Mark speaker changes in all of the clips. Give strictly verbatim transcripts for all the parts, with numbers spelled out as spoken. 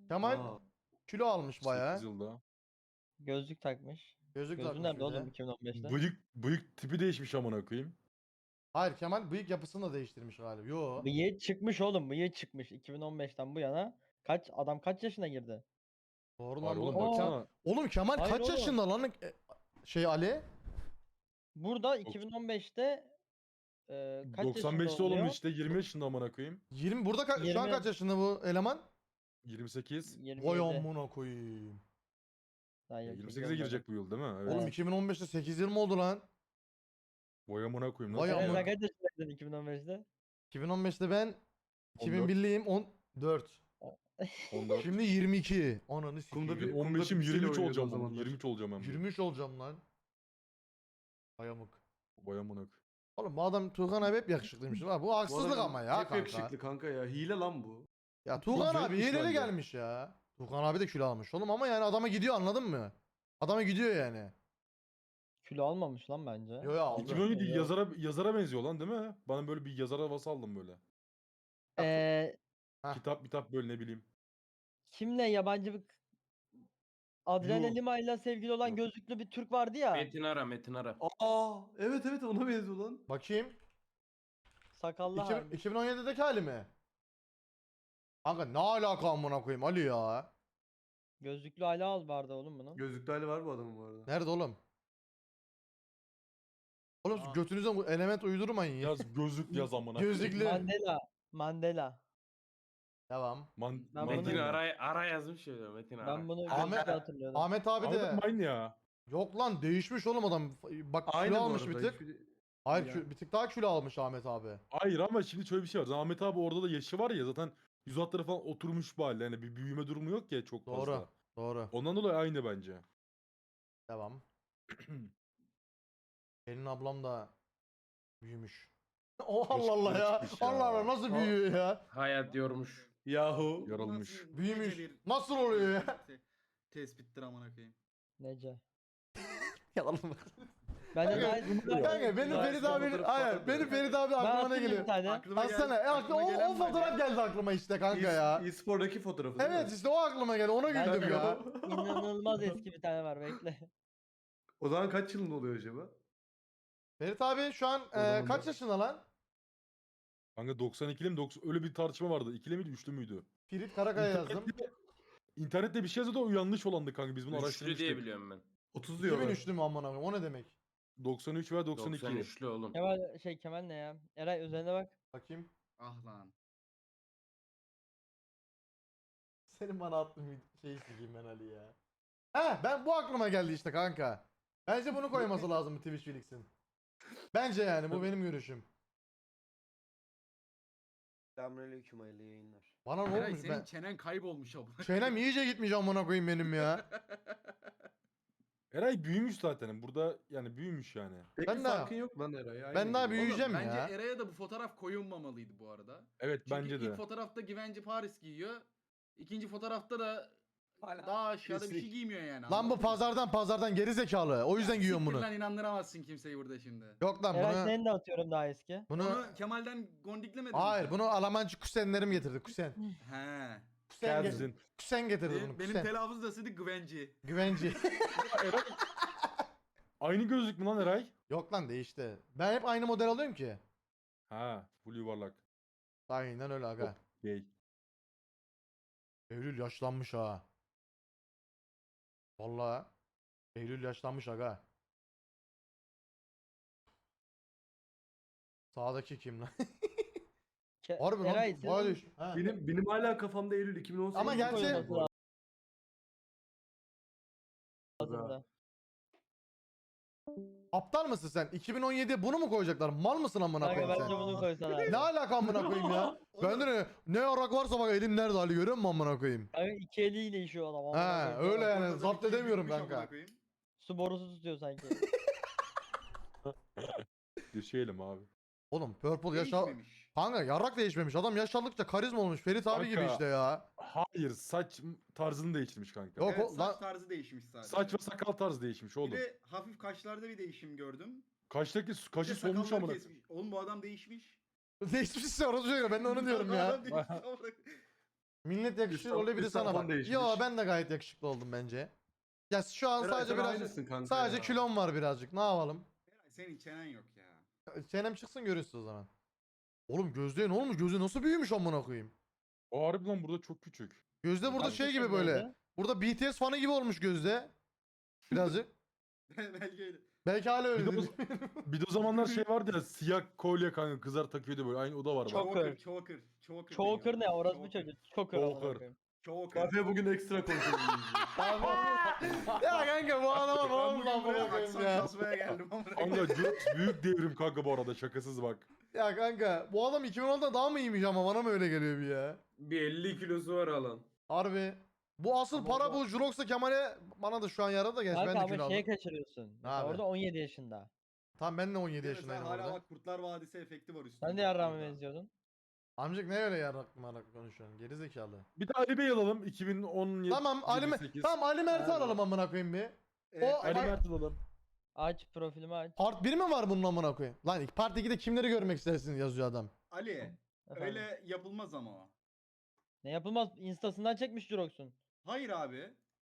Speaker 1: Kemal
Speaker 2: Aa.
Speaker 1: kilo almış bayağı.
Speaker 3: sekiz yılda.
Speaker 4: Gözlük takmış.
Speaker 1: Gözlük
Speaker 4: Gözlüğü
Speaker 1: takmış
Speaker 4: nerede
Speaker 1: bir
Speaker 4: oğlum
Speaker 1: de.
Speaker 4: iki bin on beşte?
Speaker 3: Bıyık, bıyık tipi değişmiş amına koyayım.
Speaker 1: Hayır, Kemal bıyık yapısını da değiştirmiş galiba. Yo.
Speaker 4: Bıyığı çıkmış oğlum, bıyığı çıkmış iki bin on beşten bu yana. Kaç adam kaç yaşına girdi?
Speaker 1: Doğru
Speaker 3: Var
Speaker 1: lan bu.
Speaker 3: oğlum
Speaker 1: Aa,
Speaker 3: baksana.
Speaker 1: Oğlum Kemal
Speaker 4: Hayır
Speaker 1: kaç
Speaker 4: oğlum.
Speaker 1: yaşında lan? E, Şey Ali?
Speaker 4: Burada iki bin on beşte e, kaç
Speaker 3: doksan beşte
Speaker 4: yaşında
Speaker 3: oğlum
Speaker 4: oluyor?
Speaker 3: işte yirmi yaşında amına koyayım.
Speaker 1: yirmi burada ka- şu an
Speaker 4: yirmi
Speaker 1: kaç yaşında bu eleman?
Speaker 3: yirmi sekiz.
Speaker 1: Vay
Speaker 4: yirmi yedi.
Speaker 1: amına koyayım.
Speaker 4: Daha
Speaker 3: Ya
Speaker 4: yirmi
Speaker 3: yirmi
Speaker 4: sekiz
Speaker 3: sekize
Speaker 4: olmadı.
Speaker 3: girecek bu yıl değil mi? Evet.
Speaker 1: Oğlum iki bin on beşte sekiz yirmi oldu lan.
Speaker 3: Vay amına koyayım.
Speaker 1: Vay
Speaker 3: Nasıl?
Speaker 4: Sen
Speaker 1: amına-
Speaker 4: kaç yaşındaydın iki bin on beşte?
Speaker 1: iki bin on beşte ben
Speaker 3: on dört.
Speaker 1: iki bin birliyim on dört.
Speaker 3: on dört.
Speaker 1: Şimdi yirmi iki. Ananı sikeyim.
Speaker 2: Kumda bir-
Speaker 3: on beşim
Speaker 2: kumda
Speaker 3: yirmi üç
Speaker 2: oynuyordu o
Speaker 3: olacağım.
Speaker 2: zamanlar.
Speaker 3: yirmi üç olacağım ben.
Speaker 1: yirmi üç olacağım lan. Vay amık.
Speaker 3: Vay amına koyayım.
Speaker 1: Oğlum bu adam Tuğkan abi hep yakışıklıymış. Ha, bu
Speaker 2: Bu
Speaker 1: haksızlık
Speaker 2: adam
Speaker 1: ama ya
Speaker 2: hep
Speaker 1: kanka.
Speaker 2: yakışıklı kanka ya. Hile lan bu.
Speaker 1: Ya Tuğkan
Speaker 3: Çok
Speaker 1: abi
Speaker 3: büyükmüş
Speaker 1: hileli
Speaker 3: bence.
Speaker 1: gelmiş ya. Tuğkan abi de kilo almış oğlum ama yani adama gidiyor, anladın mı? Adama gidiyor yani.
Speaker 4: Kilo almamış lan bence.
Speaker 1: Yo yo aldı.
Speaker 3: iki bin on yedi
Speaker 4: Yok.
Speaker 3: yazara yazara benziyor lan değil mi? Bana böyle bir yazar havası aldım böyle.
Speaker 4: Eee
Speaker 1: Heh.
Speaker 3: Kitap kitap böyle ne bileyim.
Speaker 4: kimle yabancı bir Adriana
Speaker 1: Yuh.
Speaker 4: Lima ile sevgili olan
Speaker 3: Yok.
Speaker 4: gözlüklü bir Türk vardı ya.
Speaker 5: Metin Ara, Metin Ara.
Speaker 2: Aa, evet evet ona benziyor lan.
Speaker 1: Bakayım.
Speaker 4: Sakallı
Speaker 1: İki-
Speaker 4: hali.
Speaker 1: iki bin on yedideki hali mi? Kanka ne alaka amına koyayım Ali ya?
Speaker 4: Gözlüklü hala al vardı oğlum bunun.
Speaker 2: Gözlüklü hali var bu adamın bu arada.
Speaker 1: Nerede oğlum? Oğlum siz
Speaker 4: Aa.
Speaker 1: götünüzden bu element uydurmayın ya.
Speaker 3: Yaz gözlük yaz amına.
Speaker 1: Gözlüklü.
Speaker 4: Mandela. Mandela.
Speaker 1: Devam.
Speaker 3: Man,
Speaker 4: Ben
Speaker 3: man-
Speaker 4: bunu-
Speaker 5: Metin Ara, Ara yazmış ya Metin Ara.
Speaker 4: Ben bunu
Speaker 1: Ahmet-
Speaker 4: gözlüklü hatırlıyordum.
Speaker 1: Ahmet abi
Speaker 3: Ahmet
Speaker 1: de
Speaker 3: abi aynı ya.
Speaker 1: yok lan, değişmiş oğlum adam. Bak
Speaker 2: Aynı
Speaker 1: kilo
Speaker 2: bu
Speaker 1: almış bir
Speaker 2: arada,
Speaker 1: tık.
Speaker 2: hiçbir-
Speaker 1: Hayır
Speaker 2: Ya.
Speaker 1: kü- bir tık daha kilo almış Ahmet abi.
Speaker 3: Hayır ama şimdi şöyle bir şey var. Ahmet abi orada da yaşı var ya zaten yüz hatları falan oturmuş bir halde. Yani bir büyüme durumu yok ya çok
Speaker 1: Doğru.
Speaker 3: fazla.
Speaker 1: Doğru.
Speaker 3: Ondan dolayı aynı bence.
Speaker 1: Devam. Pelin ablam da büyümüş. Oh Allah Allah ya.
Speaker 3: çıkmış ya.
Speaker 1: Allah Allah nasıl büyüyor ya?
Speaker 5: Hayat yormuş.
Speaker 2: Yahu.
Speaker 3: Yarılmış.
Speaker 1: Büyümüş.
Speaker 6: nece bir-
Speaker 1: Nasıl oluyor ya?
Speaker 6: te- Tespittir amına koyayım.
Speaker 4: Nece.
Speaker 1: Yalan.
Speaker 4: Ben de
Speaker 1: Kanka,
Speaker 4: daha...
Speaker 1: Kanka benim
Speaker 2: Daha
Speaker 1: Ferit
Speaker 2: eski
Speaker 1: abi,
Speaker 2: fotoğrafı
Speaker 1: hayır
Speaker 2: falan
Speaker 1: benim
Speaker 2: da.
Speaker 1: Ferit abi
Speaker 4: Ben
Speaker 1: aklıma ne
Speaker 4: atayım bir
Speaker 1: geliyor?
Speaker 4: tane.
Speaker 6: Aklıma
Speaker 1: Aslana
Speaker 6: geldi-
Speaker 1: e,
Speaker 6: aklıma
Speaker 1: o, o
Speaker 6: gelen var
Speaker 1: fotoğraf
Speaker 6: ya.
Speaker 1: geldi aklıma işte kanka ya.
Speaker 2: E-spor'daki fotoğrafı değil mi?
Speaker 1: Evet işte o aklıma geldi, ona
Speaker 4: Ben
Speaker 1: güldüm
Speaker 4: de
Speaker 1: ya.
Speaker 4: inanılmaz eski bir tane var bekle.
Speaker 2: O zaman kaç yılında oluyor acaba?
Speaker 1: Ferit abi şu an e,
Speaker 2: zaman
Speaker 1: kaç
Speaker 2: da-
Speaker 1: yaşında lan?
Speaker 3: Kanka doksan ikili mi? doksan öyle bir tartışma vardı. İkili miydi, üçlü müydü?
Speaker 1: Ferit Karakaya yazdım.
Speaker 3: İnternette, internette bir şey yazıyordu o yanlış olandı kanka. Biz bunu
Speaker 5: Üçlü
Speaker 3: araştırmıştık.
Speaker 5: diye biliyorum ben.
Speaker 2: otuz diyorlar.
Speaker 1: iki bin üçlü mü amına koyayım, o ne demek?
Speaker 3: doksan üç veya doksan iki.
Speaker 5: doksan üçlü oğlum.
Speaker 4: Kemal şey Kemal ne ya? Eray üzerine bak.
Speaker 1: Bakayım.
Speaker 6: Ah lan.
Speaker 1: Senin bana attığın şeyi sikeyim ben Ali ya. He ben bu aklıma geldi işte kanka. Bence bunu koyması lazım Twitch Felix'in. Bence yani bu benim görüşüm.
Speaker 7: Selamünaleyküm, hayırlı yayınlar.
Speaker 1: Bana ne
Speaker 6: Eray
Speaker 1: olmuş
Speaker 6: senin
Speaker 1: ben?
Speaker 6: çenen kaybolmuş amına.
Speaker 1: Çenem iyice gitmiş amına koyayım benim ya.
Speaker 3: Eray büyümüş zaten. Burada yani büyümüş yani.
Speaker 2: Pek
Speaker 1: Ben
Speaker 2: bir
Speaker 1: de-
Speaker 2: farkın yok lan Eray. aynı
Speaker 1: Ben daha
Speaker 2: gibi.
Speaker 1: büyüyeceğim
Speaker 6: Oğlum, bence
Speaker 1: ya.
Speaker 6: Eray'a da bu fotoğraf koyulmamalıydı bu arada.
Speaker 3: Evet
Speaker 6: Çünkü
Speaker 3: bence
Speaker 6: ilk
Speaker 3: de.
Speaker 6: fotoğrafta Givenchy Paris giyiyor. İkinci fotoğrafta da
Speaker 7: Hala
Speaker 6: daha aşağıda bir şey
Speaker 7: kesin.
Speaker 6: giymiyor yani.
Speaker 1: Lan bu
Speaker 6: anladın mı?
Speaker 1: pazardan pazardan geri zekalı. O yüzden giyiyorum
Speaker 6: Siktir
Speaker 1: bunu.
Speaker 6: Lan inandıramazsın kimseyi burada şimdi.
Speaker 1: Yok lan
Speaker 4: Eray
Speaker 1: bunu.
Speaker 4: seni de atıyorum daha eski.
Speaker 1: Bunu
Speaker 6: Bunu Kemal'den gondiklemedin mi
Speaker 1: hayır
Speaker 6: sen?
Speaker 1: bunu Almancı kuzenlerim getirdi kuzen.
Speaker 6: He.
Speaker 1: Kuzen, ge-
Speaker 3: Kerzin.
Speaker 1: kuzen getirdi bunu
Speaker 6: Benim, benim
Speaker 1: kuzen.
Speaker 6: telaffuz nasıldı? Givenchy.
Speaker 1: Güvenci.
Speaker 3: Aynı gözlük mü lan Eray?
Speaker 1: Yok lan değişti. Ben hep aynı model alıyorum ki.
Speaker 3: Ha, full yuvarlak.
Speaker 1: Aynen öyle aga.
Speaker 3: Gay.
Speaker 1: Eylül yaşlanmış ha. Vallahi. Eylül yaşlanmış aga. Sağdaki kim lan?
Speaker 4: Ke-
Speaker 1: Harbi lan.
Speaker 4: Eray
Speaker 1: Bayağı
Speaker 4: senin
Speaker 1: değiş- Ha.
Speaker 2: Benim, benim hala kafamda Eylül iki bin on sekiz.
Speaker 1: Ama gerçi-
Speaker 4: koyulması lazım da.
Speaker 1: Aptal mısın sen? iki bin on yediye bunu mu koyacaklar? Mal mısın amına
Speaker 4: Kanka
Speaker 1: koyayım
Speaker 4: bence
Speaker 1: sen?
Speaker 4: bunu koysan abi.
Speaker 1: Ne alaka amına koyayım ya? Bende ne, ne yarak varsa bak elim nerede Ali görüyor musun amına koyayım?
Speaker 4: Kanka iki eliyle işiyor adam. amına
Speaker 1: He
Speaker 4: koyayım.
Speaker 1: öyle yani
Speaker 6: Ortada
Speaker 1: zapt
Speaker 6: bir kil
Speaker 1: edemiyorum
Speaker 6: büyümüş amına
Speaker 1: kanka.
Speaker 6: koyayım.
Speaker 4: Su borusu tutuyor sanki.
Speaker 3: Düşeyelim abi.
Speaker 1: Oğlum Purple yaşa...
Speaker 6: Değişmemiş.
Speaker 1: Kanka yarrak değişmemiş. Adam yaş aldıkça karizma olmuş. Ferit abi gibi
Speaker 3: Kanka.
Speaker 1: işte ya.
Speaker 3: Hayır saç tarzını değiştirmiş kanka.
Speaker 1: Yok
Speaker 6: Evet,
Speaker 1: o
Speaker 6: saç
Speaker 1: lan
Speaker 6: tarzı değişmiş sadece.
Speaker 3: Saç ve sakal tarzı değişmiş oğlum.
Speaker 6: Bir de hafif kaşlarda bir değişim gördüm.
Speaker 3: Kaştaki
Speaker 6: Bir
Speaker 3: kaşı
Speaker 6: de
Speaker 3: solmuş
Speaker 6: sakalları
Speaker 3: amına.
Speaker 6: kesmiş. Oğlum bu adam değişmiş.
Speaker 1: değişmişse orası şöyle ben de onu diyorum
Speaker 6: Bu
Speaker 1: ya.
Speaker 6: adam değişmiş amına koyayım.
Speaker 1: Millet yakışır
Speaker 2: Üstam-
Speaker 1: öyle biri
Speaker 2: üstam
Speaker 1: sana
Speaker 2: falan
Speaker 1: bak.
Speaker 2: değişmiş.
Speaker 1: Yo ben de gayet yakışıklı oldum bence. Ya şu an
Speaker 2: Eray,
Speaker 1: sadece
Speaker 2: sen
Speaker 1: biraz
Speaker 2: aynısın kanka
Speaker 1: sadece
Speaker 2: ya.
Speaker 1: kilom var birazcık. Ne yapalım?
Speaker 8: Senin çenen yok ya.
Speaker 1: Çenem çıksın görürsün o zaman. Oğlum Gözde ne olmuş? Gözde nasıl büyümüş amına koyayım?
Speaker 3: O harbi lan burada çok küçük.
Speaker 1: Gözde burada
Speaker 4: Kaç
Speaker 1: şey gibi
Speaker 4: yaşındaydı?
Speaker 1: böyle. Burada B T S fanı gibi olmuş Gözde. Birazcık.
Speaker 8: Belki öyle.
Speaker 1: Belki hala öyle.
Speaker 3: Bir de, o,
Speaker 1: değil.
Speaker 3: bir de o zamanlar şey vardı ya siyah kolye kanka kızlar takıyordu böyle. Aynı o da var bak.
Speaker 4: Çok-
Speaker 8: Choker, choker, choker.
Speaker 4: Choker ne?
Speaker 8: deniyor.
Speaker 4: Orası bu
Speaker 8: Choker,
Speaker 4: çocuk. Choker. amına
Speaker 3: Choker.
Speaker 4: koyayım.
Speaker 8: Choker.
Speaker 2: Kafe bugün ekstra konuşuyoruz.
Speaker 1: Ya kanka bu adama ne
Speaker 8: Ben
Speaker 1: oldu
Speaker 8: bugün
Speaker 1: amına
Speaker 8: buraya
Speaker 1: koyayım
Speaker 8: aksan
Speaker 1: ya.
Speaker 8: kasmaya geldim amına
Speaker 3: Kanka Jurox büyük devrim kanka bu arada şakasız bak.
Speaker 1: Ya kanka bu adam iki bin onda daha mı iyiymiş ama bana mı öyle geliyor bir ya?
Speaker 5: Bir elli kilosu var alan.
Speaker 1: Harbi. Bu asıl
Speaker 4: Ama
Speaker 1: para
Speaker 4: o-
Speaker 1: bu Jurox'la Kemal'e bana da şu an yaradı da gerçi
Speaker 4: Kanka
Speaker 1: ben de
Speaker 4: ama
Speaker 1: kilo
Speaker 4: şeye
Speaker 1: aldım.
Speaker 4: kaçırıyorsun. Mesela
Speaker 1: abi?
Speaker 4: orada on yedi yaşında.
Speaker 1: Tamam ben de on yedi
Speaker 8: koyayım.
Speaker 1: yaşındayım
Speaker 8: Sen hala
Speaker 1: orada.
Speaker 8: bak Kurtlar Vadisi efekti var üstünde.
Speaker 4: Sen de yarrağıma
Speaker 8: Burada.
Speaker 4: benziyordun.
Speaker 1: Amcık ne öyle yarak marak konuşuyorsun geri zekalı.
Speaker 3: Bir de Ali Bey alalım iki bin on yedi.
Speaker 1: Tamam Ali Mer-
Speaker 3: sekiz.
Speaker 1: tamam Ali Mert'i
Speaker 8: Abi.
Speaker 1: alalım amına koyayım bir.
Speaker 8: Evet,
Speaker 1: O-
Speaker 3: Ali
Speaker 1: Ay-
Speaker 3: Mert alalım.
Speaker 4: Aç profilimi aç.
Speaker 1: Part bir mi var bunun amına koyayım? Lan Part ikide kimleri görmek istersiniz yazıyor adam.
Speaker 8: Ali,
Speaker 4: Efendim.
Speaker 8: öyle yapılmaz ama o.
Speaker 4: Ne yapılmaz? Instasından çekmiş Jurox'un.
Speaker 8: Hayır abi.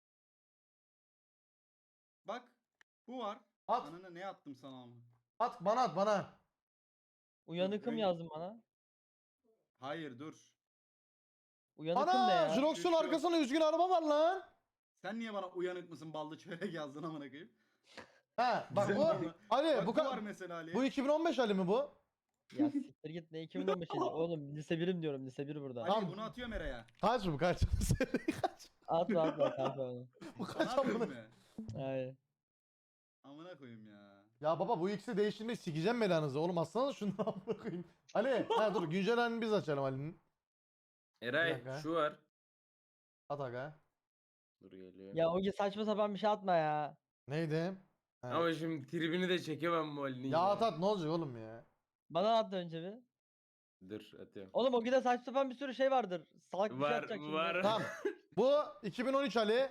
Speaker 8: Bak, bu var.
Speaker 1: At
Speaker 8: Ananı ne attım sana ama.
Speaker 1: at bana at bana.
Speaker 4: Uyanıkım
Speaker 8: öyle-
Speaker 4: yazdın bana.
Speaker 8: Hayır dur.
Speaker 4: Uyanıkım ne
Speaker 1: Ana
Speaker 4: ya?
Speaker 1: Jurox'un
Speaker 8: Şu- şu-
Speaker 1: arkasında üzgün araba var lan.
Speaker 8: Sen niye bana uyanık mısın ballı çörek yazdın amına koyayım?
Speaker 1: Ha bak
Speaker 8: Güzel
Speaker 1: bu
Speaker 8: abi.
Speaker 1: Ali
Speaker 8: Bak
Speaker 1: bu,
Speaker 8: bu var
Speaker 1: ka-
Speaker 8: mesela Ali.
Speaker 1: bu iki bin on beş Ali mi bu?
Speaker 4: Ya siktir git ne iki bin on beş yılı. Oğlum lise birim diyorum lise bir burada.
Speaker 8: Ali
Speaker 1: Tamam.
Speaker 8: bunu atıyorum Eray'a.
Speaker 1: Kaç bu kaç? kaç?
Speaker 4: Atma atma kanka onu.
Speaker 1: Bu
Speaker 8: Sana
Speaker 1: kaç
Speaker 8: atıyorum
Speaker 1: amına?
Speaker 8: mı?
Speaker 4: Hayır.
Speaker 8: Amına koyayım ya.
Speaker 1: Ya baba bu ikisi değiştirmeyi sikeceğim belanızı. Oğlum atsana şunu amına koyayım. Ali ha dur güncel halini biz açalım Ali'nin. Bir
Speaker 5: Eray
Speaker 1: dakika.
Speaker 5: şu var.
Speaker 1: At aga.
Speaker 5: Dur geliyor.
Speaker 4: Ya o saçma sapan bir şey atma ya.
Speaker 1: Neydi? Ha.
Speaker 5: Ama şimdi tribini de çekemem bu Ali'nin
Speaker 1: Ya at at ne olacak oğlum ya?
Speaker 4: Bana at önce bir.
Speaker 5: Dur atıyorum.
Speaker 4: Oğlum o gide saçma sapan bir sürü şey vardır. Salak bir şey
Speaker 5: Var,
Speaker 4: atacak şimdi.
Speaker 5: var.
Speaker 1: Tamam. Bu iki bin on üç Ali.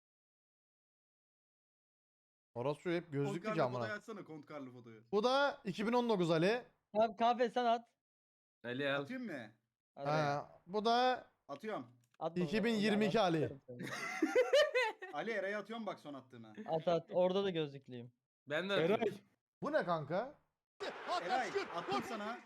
Speaker 1: Orası hep gözlüklü
Speaker 8: Kont
Speaker 1: ki
Speaker 8: karlı fotoğrafı
Speaker 1: amına.
Speaker 8: açsana kont karlı fotoğrafı.
Speaker 1: Bu da iki bin on dokuz Ali.
Speaker 4: Tamam kahve sen at.
Speaker 5: Ali al.
Speaker 8: Atayım mı?
Speaker 4: Hadi.
Speaker 1: Ha, bu da
Speaker 8: Atıyorum.
Speaker 4: Atma
Speaker 1: iki
Speaker 4: onu,
Speaker 1: bin
Speaker 4: onu
Speaker 1: yirmi iki
Speaker 4: ben
Speaker 1: Ali.
Speaker 4: atarım seni.
Speaker 8: Ali Eray'a atıyorum bak son attığına.
Speaker 4: At at orada da gözlüklüyüm.
Speaker 5: Ben de
Speaker 3: Eray.
Speaker 5: atıyorum.
Speaker 1: Bu ne kanka?
Speaker 8: Eray attım sana.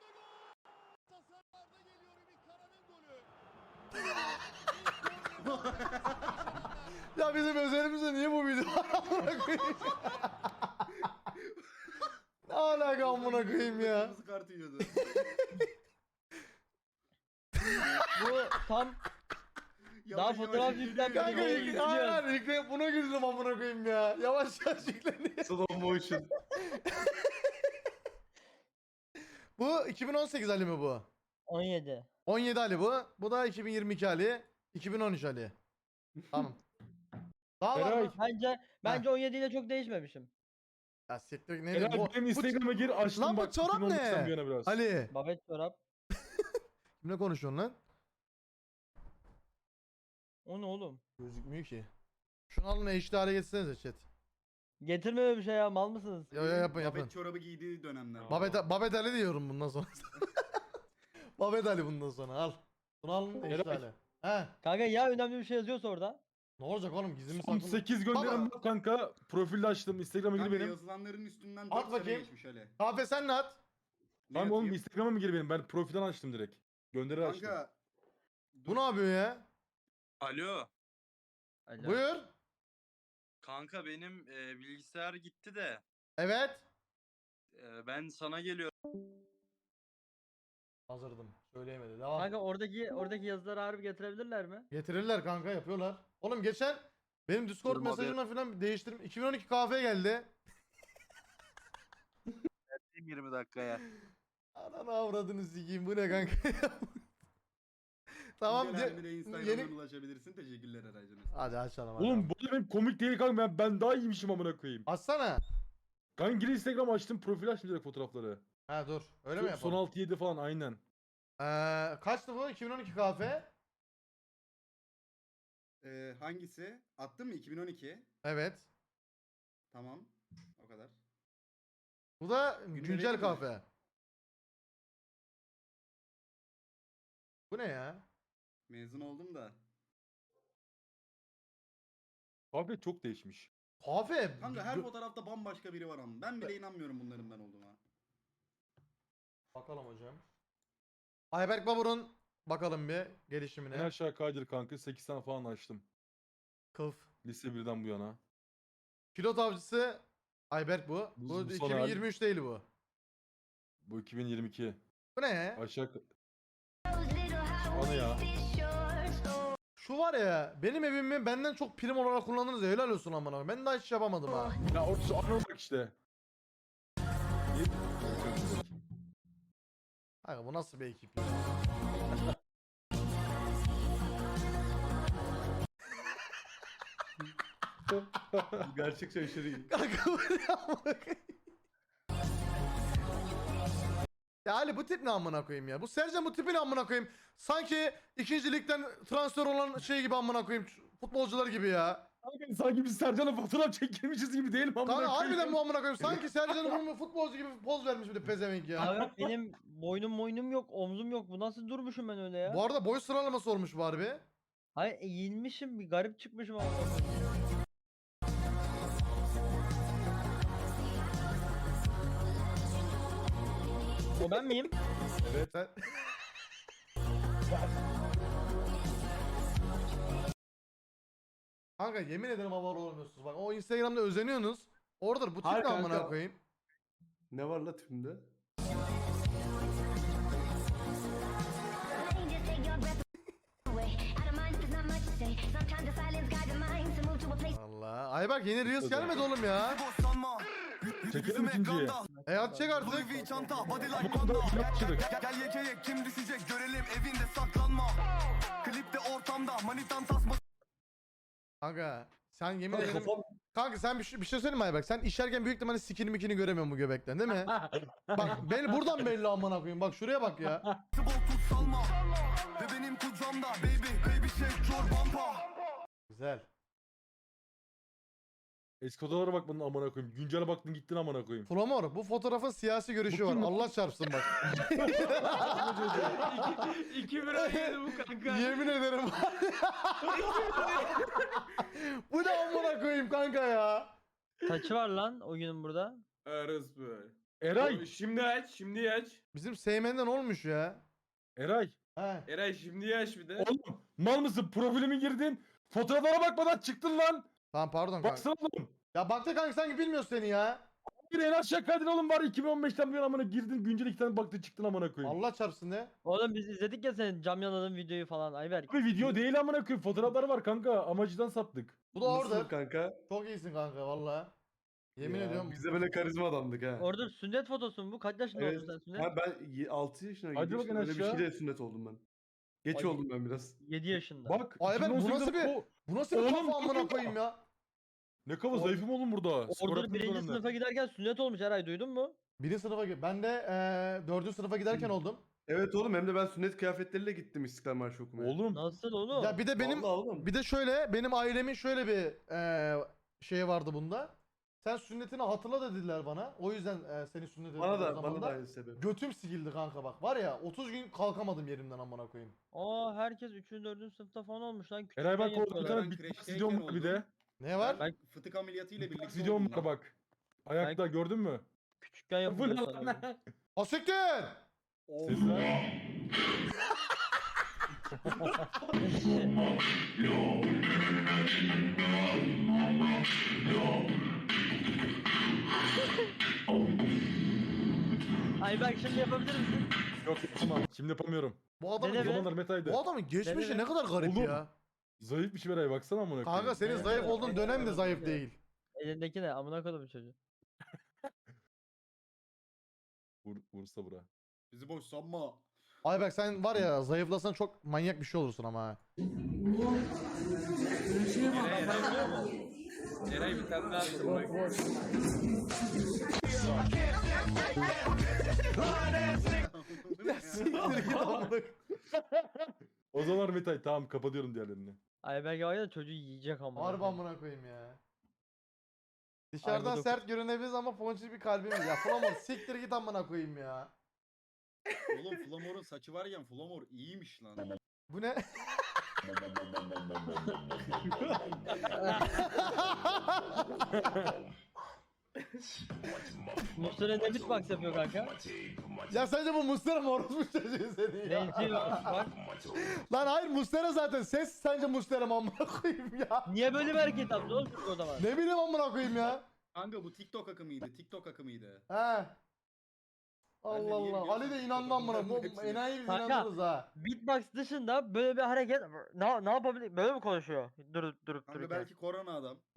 Speaker 1: Ya bizim özelimizde niye bu video var amına koyayım? Ne alaka amına koyayım ya?
Speaker 8: Kırmızı kart yiyordu.
Speaker 4: Bu tam Daha
Speaker 8: Yavaş
Speaker 4: fotoğraf
Speaker 8: yavaş
Speaker 4: yüklen-
Speaker 8: yükleniyor.
Speaker 1: Kanka
Speaker 4: Videoyu
Speaker 1: yük-
Speaker 4: izliyoruz.
Speaker 1: hayır hayır yükle buna güldüm amına koyayım ya. Yavaş yavaş yükleniyor.
Speaker 2: Slow motion.
Speaker 1: Bu iki bin on sekiz Ali mi bu?
Speaker 4: on yedi.
Speaker 1: on yedi Ali bu. Bu da iki bin yirmi iki Ali. iki bin on üç Ali. Tamam. Daha var
Speaker 3: Eray.
Speaker 1: mı?
Speaker 4: Bence bence on yedi ile çok değişmemişim.
Speaker 1: Ya siktir neydi
Speaker 3: Eray
Speaker 1: bu?
Speaker 3: benim
Speaker 1: bu-
Speaker 3: Instagram'a gir açtım
Speaker 1: Lan bu
Speaker 3: bak.
Speaker 1: çorap
Speaker 3: iki bin on dokuzdan
Speaker 1: ne?
Speaker 3: bu yana biraz.
Speaker 1: Ali.
Speaker 4: Babet çorap.
Speaker 1: Kimle konuşuyorsun lan?
Speaker 4: O ne oğlum?
Speaker 1: Gözükmüyor ki. Şunu alın H D hale getirsenize chat.
Speaker 4: Getirme öyle bir şey ya mal mısınız?
Speaker 1: Yo yo yapın yapın.
Speaker 8: Babet çorabı giydiği dönemler.
Speaker 1: Babet, Babet Ali diyorum bundan sonra. Babet Ali bundan sonra al. Bunu alın H D
Speaker 3: Eray.
Speaker 1: hale. He.
Speaker 4: Kanka ya önemli bir şey yazıyorsa orada.
Speaker 1: Ne olacak oğlum gizli mi
Speaker 3: Son
Speaker 1: saklı?
Speaker 3: sekiz gönderim
Speaker 1: Baba.
Speaker 3: bak kanka. Profilde açtım. Instagram'a gir
Speaker 8: Kanka
Speaker 3: benim.
Speaker 8: yazılanların üstünden
Speaker 1: At
Speaker 8: dört sene
Speaker 1: bakayım.
Speaker 8: geçmiş Ali.
Speaker 1: Kahve sen ne at?
Speaker 8: Ne
Speaker 3: Tamam oğlum
Speaker 8: atayım?
Speaker 3: Instagram'a mı gir benim? Ben profilden açtım direkt. Gönderir açtım.
Speaker 8: Kanka.
Speaker 1: Bu ne yapıyor ya?
Speaker 9: Alo.
Speaker 4: Alo.
Speaker 1: Buyur.
Speaker 9: Kanka benim e, bilgisayar gitti de
Speaker 1: Evet.
Speaker 9: e, ben sana geliyorum.
Speaker 1: Hazırdım. Söyleyemedi. Devam.
Speaker 4: Kanka oradaki oradaki yazıları harbi getirebilirler mi?
Speaker 1: Getirirler kanka yapıyorlar. Oğlum geçen benim Discord
Speaker 9: Durma be.
Speaker 1: mesajımla falan değiştirdim. iki bin on iki kahveye geldi.
Speaker 9: yirmi dakikaya.
Speaker 1: Ananı avradını sikeyim bu ne kanka? Tamam.
Speaker 8: Güncel
Speaker 1: ce-
Speaker 8: halimine Instagram'dan
Speaker 1: yeni...
Speaker 8: ulaşabilirsin. Teşekkürler Eray'cığım.
Speaker 1: Hadi açalım hadi.
Speaker 3: Oğlum bu da benim komik değil kanka. Ben, ben daha iyiymişim amına koyayım.
Speaker 1: Açsana.
Speaker 3: Kanka gir Instagram açtım. Profil açtım direkt fotoğrafları.
Speaker 1: Ha dur. Öyle mi
Speaker 3: Son, son
Speaker 1: yapalım?
Speaker 3: altı yedi falan aynen.
Speaker 1: Ee, kaçtı bu? iki bin on iki kahve.
Speaker 8: Ee, hangisi? Attın mı? iki bin on iki.
Speaker 1: Evet.
Speaker 8: Tamam. O kadar.
Speaker 1: Bu da
Speaker 8: Gündelik
Speaker 1: güncel
Speaker 8: mi?
Speaker 1: kahve. Bu ne ya?
Speaker 8: Mezun oldum da.
Speaker 3: Abi çok değişmiş.
Speaker 1: Kahve.
Speaker 8: Kanka her
Speaker 1: gö-
Speaker 8: fotoğrafta bambaşka biri var ama. Ben bile inanmıyorum bunların ben olduğuna.
Speaker 1: Bakalım hocam. Ayberk Babur'un bakalım bir
Speaker 3: En
Speaker 1: gelişimine.
Speaker 3: aşağı kaydır kanka. sekiz tane falan açtım.
Speaker 1: Kılıf.
Speaker 3: Lise birden bu yana.
Speaker 1: Pilot avcısı Ayberk bu.
Speaker 3: Bu-
Speaker 1: Bu
Speaker 3: bu son hali.
Speaker 1: iki bin yirmi üç değil bu.
Speaker 3: Bu iki bin yirmi iki.
Speaker 1: Bu ne ya?
Speaker 3: Aşağı... Anı ya.
Speaker 1: Şu var ya, benim evimi benden çok prim olarak kullandınız ya, helal olsun amına koyayım. Ben daha hiç yapamadım ha.
Speaker 3: Ya orası anı olarak işte.
Speaker 1: Kanka bu nasıl bir ekip ya?
Speaker 2: Gerçekçi aşırı iyi.
Speaker 1: Kanka bu ne amına koyayım? Ya Ali bu tip ne amına koyayım ya? Bu Sercan bu tipi ne amına koyayım? Sanki ikinci ligden transfer olan şey gibi amına koyayım. Futbolcular gibi ya.
Speaker 3: Kanka sanki biz Sercan'la fotoğraf çekilmişiz gibi değil mi? amına
Speaker 1: Kanka
Speaker 3: koyayım?
Speaker 1: harbiden bu amına koyayım. Sanki Sercan'ın bunu futbolcu gibi poz vermiş bir de pezevenk ya.
Speaker 4: Abi benim boynum boynum yok, omzum yok. Bu nasıl durmuşum ben öyle ya?
Speaker 1: Bu arada boy sıralaması olmuş bu harbi.
Speaker 4: Hayır eğilmişim, bir garip çıkmışım ama. O ben miyim?
Speaker 1: Evet. Sen... Kanka yemin ederim havar olmuyorsunuz bak. O Instagram'da özeniyorsunuz. Oradır bu tip
Speaker 2: Hayır
Speaker 1: ne amına
Speaker 2: kanka.
Speaker 1: koyayım.
Speaker 2: Ne var la tipimde?
Speaker 1: Allah. Ay bak yeni Reels gelmedi oğlum ya.
Speaker 3: Çekelim ikinciyi.
Speaker 1: E at çek artık.
Speaker 3: Yapıştırdık.
Speaker 10: Gel yekeye kim düşecek görelim evinde saklanma. Klipte ortamda manitan tasma.
Speaker 1: Kanka sen yemin
Speaker 2: Kanka
Speaker 1: ederim.
Speaker 2: kafam...
Speaker 1: Kanka sen bir, şey- bir şey söyleyeyim mi Aybak? Sen işerken büyük ihtimalle sikini mikini göremiyorsun bu göbekten değil mi? Bak beni buradan belli amına koyayım. Bak şuraya bak ya.
Speaker 10: Bol tut salma. Ve benim kucağımda baby baby shake your bumper.
Speaker 1: Güzel.
Speaker 3: Eski odalara bak bunun amına koyayım. Güncele baktın gittin amına koyayım.
Speaker 1: Flamor bu fotoğrafın siyasi görüşü var.
Speaker 3: kim lan?
Speaker 1: Allah çarpsın bak.
Speaker 5: İki bir oynadı bu kanka.
Speaker 1: Yemin ederim. Bu ne amına koyayım kanka ya.
Speaker 4: Saçı var lan o günün burada.
Speaker 5: Arız bu.
Speaker 3: Eray.
Speaker 5: Şimdi aç, şimdi aç.
Speaker 1: Bizim Seymen'den olmuş ya.
Speaker 3: Eray.
Speaker 1: He.
Speaker 5: Eray şimdi aç bir de.
Speaker 3: Oğlum mal mısın? Profilime girdin. Fotoğraflara bakmadan çıktın lan.
Speaker 1: Tamam pardon kanka.
Speaker 3: Baksana oğlum.
Speaker 1: Ya baktı kanka sanki bilmiyorsun seni ya.
Speaker 3: Bir en aşağı kaydın oğlum var. iki bin on beşten bir yana amına girdin. Güncel iki tane baktın çıktın amına koyayım.
Speaker 1: Allah çarpsın ne?
Speaker 4: Oğlum biz izledik ya senin cam yaladığın videoyu falan Ayberk.
Speaker 3: Abi video değil amına koyayım. Fotoğraflar var kanka. Amacıdan saptık.
Speaker 1: Bu da
Speaker 2: Nasıl
Speaker 1: orada.
Speaker 2: kanka?
Speaker 1: Çok iyisin kanka valla. Yemin
Speaker 2: Ya,
Speaker 1: ediyorum.
Speaker 2: Biz de böyle karizma adamdık ha.
Speaker 4: Orada sünnet fotosu mu bu? Kaç yaşında
Speaker 2: Evet.
Speaker 4: oldun sen sünnet?
Speaker 2: Ha, ben altı yaşına
Speaker 3: Hadi
Speaker 2: girdim.
Speaker 3: bakın
Speaker 2: Böyle bir
Speaker 3: aşağı.
Speaker 2: şeyle sünnet oldum ben. Geç
Speaker 4: Ay.
Speaker 2: oldum ben biraz.
Speaker 4: yedi yaşında.
Speaker 3: Bak.
Speaker 1: Ay ben bu
Speaker 3: iki bin on
Speaker 1: nasıl
Speaker 3: sekizde
Speaker 1: bir-
Speaker 3: o-
Speaker 1: Bu nasıl bir
Speaker 3: Oğlum,
Speaker 1: kafa amına
Speaker 3: kanka.
Speaker 1: koyayım ya?
Speaker 3: Ne kafa zayıfım oğlum burada. Spor
Speaker 4: Orada
Speaker 3: yaptığım
Speaker 4: birinci
Speaker 3: dönemde.
Speaker 4: sınıfa giderken sünnet olmuş Eray duydun mu?
Speaker 1: Birinci sınıfa gi- ben de eee dördüncü sınıfa giderken oldum.
Speaker 2: Evet oğlum hem de ben sünnet kıyafetleriyle gittim İstiklal Marşı okumaya.
Speaker 3: Oğlum.
Speaker 4: Nasıl oğlum?
Speaker 1: Ya bir de benim
Speaker 2: Vallahi oğlum.
Speaker 1: bir de şöyle benim ailemin şöyle bir eee şey vardı bunda. Sen sünnetini hatırla dediler bana. O yüzden eee senin sünnet
Speaker 2: Bana
Speaker 1: ettiler o
Speaker 2: da
Speaker 1: zaman
Speaker 2: bana da aynı sebep.
Speaker 1: Götüm sikildi kanka bak. Var ya otuz gün kalkamadım yerimden amına koyayım.
Speaker 4: Aa herkes üçüncü. dördüncü sınıfta falan olmuş lan.
Speaker 3: Eray bak
Speaker 4: küçükken
Speaker 3: orada bir
Speaker 4: yapıyorlar.
Speaker 3: tane
Speaker 8: Ben
Speaker 3: bitbox
Speaker 8: kreşteyken
Speaker 3: videom var bir de.
Speaker 8: oldum.
Speaker 1: Ne var?
Speaker 4: Ben
Speaker 8: Fıtık ameliyatıyla
Speaker 3: Bitbox
Speaker 8: birlikte
Speaker 3: videom
Speaker 8: oldum
Speaker 3: var
Speaker 8: ben.
Speaker 3: bak. Ayakta gördün mü?
Speaker 4: Küçükken
Speaker 3: Bu ne
Speaker 4: yapılıyor
Speaker 3: lan?
Speaker 4: sanırım.
Speaker 1: Asiktir!
Speaker 3: Sesler.
Speaker 4: Ayberk şimdi yapabilir misin?
Speaker 3: Yok yapamam. Şimdi yapamıyorum.
Speaker 1: Bu adamın,
Speaker 4: Dene
Speaker 3: O
Speaker 4: be.
Speaker 3: zamanlar metaydı.
Speaker 1: bu adamın geçmişi
Speaker 4: Dene be.
Speaker 1: ne kadar garip
Speaker 3: Oğlum.
Speaker 1: ya.
Speaker 3: Zayıf bir şey Eray baksana amına koyayım.
Speaker 1: Kanka senin
Speaker 4: Evet,
Speaker 1: zayıf
Speaker 4: evet,
Speaker 1: olduğun
Speaker 4: evet,
Speaker 1: dönem de
Speaker 4: evet,
Speaker 1: zayıf
Speaker 4: evet.
Speaker 1: değil.
Speaker 4: Elindeki ne? Amına koydum çocuğu.
Speaker 3: Vur, vursa bura.
Speaker 8: Bizi boş sanma.
Speaker 1: Ayberk sen var ya zayıflasan çok manyak bir şey olursun ama ha.
Speaker 5: Eray, Eray, Eray bir tane daha atın bak.
Speaker 1: Ya siktir git amına koyayım.
Speaker 3: O zamanlar metay tamam kapatıyorum diğerlerini.
Speaker 4: Ayberk var ya çocuğu yiyecek ama.
Speaker 1: Harbi amına koyayım ya. Dışarıdan
Speaker 4: Ay, bu
Speaker 1: sert görünebiliriz ama ponçik bir kalbimiz. Ya Flamor siktir git amına koyayım ya.
Speaker 8: Oğlum Flamor'un saçı var ya Flamor iyiymiş lan.
Speaker 1: Bu ne?
Speaker 4: Mustafa ne beatbox yapıyor kanka?
Speaker 1: Ya sence bu Mustera mı orospu çocuğu seni ya?
Speaker 4: Benziyor bak.
Speaker 1: Lan hayır Mustera zaten. Ses sence Mustera mı amına koyayım ya?
Speaker 4: Niye böyle bir hareket yaptı oğlum çocuk o zaman?
Speaker 1: Ne bileyim amına koyayım ya.
Speaker 8: Kanka bu TikTok akımıydı. TikTok akımıydı.
Speaker 1: He.
Speaker 8: Ben de
Speaker 1: Allah
Speaker 8: niye
Speaker 1: Allah.
Speaker 8: biliyorsam
Speaker 1: Ali de inandı amına.
Speaker 8: TikTok'un
Speaker 1: Bu
Speaker 8: hepsini.
Speaker 1: enayi biz
Speaker 4: Kanka.
Speaker 1: inandınız ha.
Speaker 4: Beatbox dışında böyle bir hareket ne, ne yapabilir? Böyle mi konuşuyor? Durup durup
Speaker 8: Kanka
Speaker 4: dururken.
Speaker 8: belki korona adam.